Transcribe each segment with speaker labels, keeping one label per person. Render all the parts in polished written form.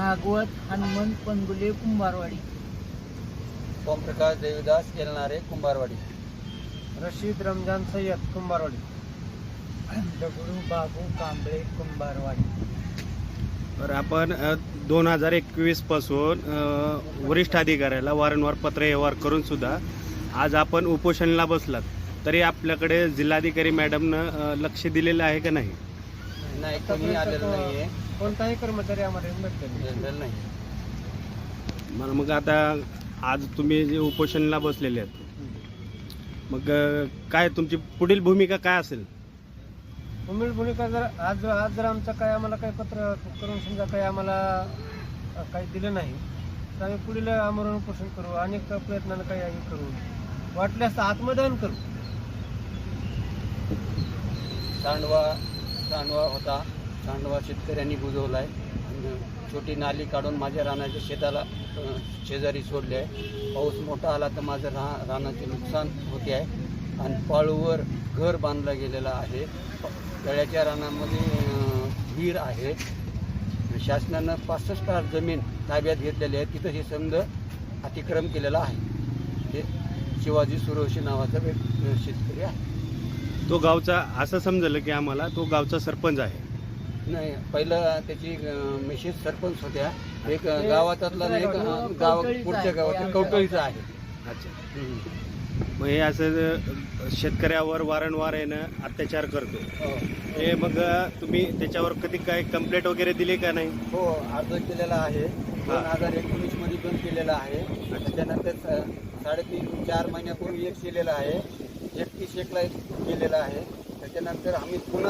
Speaker 1: भागवत हनुमंत पंगुले कुंभारवाडी,
Speaker 2: ओमप्रकाश देवीदास येलनारे कुंभारवाडी,
Speaker 3: रशीद रमजान सय्यद कुंभारवाडी,
Speaker 1: दगडू बाबू कांबळे कुंभारवाडी.
Speaker 4: तर आपण 2021 पासून वरिष्ठ अधिकाऱ्याला वारंवार पत्र व्यवहार करून सुद्धा आज आपण उपोषणाला बसलात, तरी आपल्याकडे जिल्हाधिकारी मॅडमनं लक्ष दिलेलं आहे का नाही?
Speaker 2: नाही, कोणी आलेलं नाहीये,
Speaker 3: कोणताही कर्मचारी आम्हाला
Speaker 2: जनरल नाही.
Speaker 4: मग आता आज तुम्ही जे उपोषणाला बसलेले आहेत, मग काय तुमची पुढील भूमिका काय असेल?
Speaker 3: उमेद भूमिका जर आज जर आमचं काय आम्हाला काही पत्र करून समजा काही आम्हाला काही दिलं नाही तर आम्ही पुढील आमरण उपोषण करू, अनेक प्रयत्नानं काही आम्ही करू, वाटल्यास आत्मदहन करू.
Speaker 2: सांडवा होता, सांडवा शेतकऱ्यांनी बुजवलाय आणि छोटी नाली काढून माझ्या रानाच्या शेताला शेजारी सोडले आहे. पाऊस मोठा आला तर माझं रानाचे नुकसान होते आहे आणि पाळूवर घर बांधलं गेलेलं आहे. तळ्याच्या रानामध्ये विहीर आहे. शासनानं 65 जमीन ताब्यात घेतलेली आहे, तिथं हे समज अतिक्रम केलेला आहे. हे शिवाजी सुरवशी नावाचा शेतकरी आहे.
Speaker 4: तो गावचा असं समजलं की आम्हाला तो गावचा सरपंच आहे.
Speaker 2: नाही, पहिलं त्याची मिसेस सरपंच होत्या. एक गावातला नाही, एक गाव पुढच्या गावात कवटळीचा आहे.
Speaker 4: अच्छा. मग हे असं शेतकऱ्यावर वारंवार येणं अत्याचार करतो. हे मग तुम्ही त्याच्यावर कधी काय कंप्लेंट वगैरे दिली का नाही?
Speaker 2: हो, अर्ज केलेला आहे. 2019 मध्ये पण केलेला आहे. त्याच्यानंतर 3.5-4 महिन्यापूर्वी एक केलेला आहे. 31/1 एक केलेला आहे. त्याच्यानंतर आम्ही पुन्हा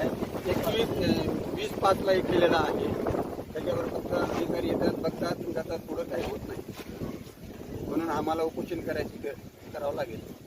Speaker 2: 21/5 एक केलेला आहे. त्याच्यावर फक्त अधिकारी येतात, बघतात, जातात, पुढं काही होत नाही. म्हणून आम्हाला उपोषण करावं लागेल.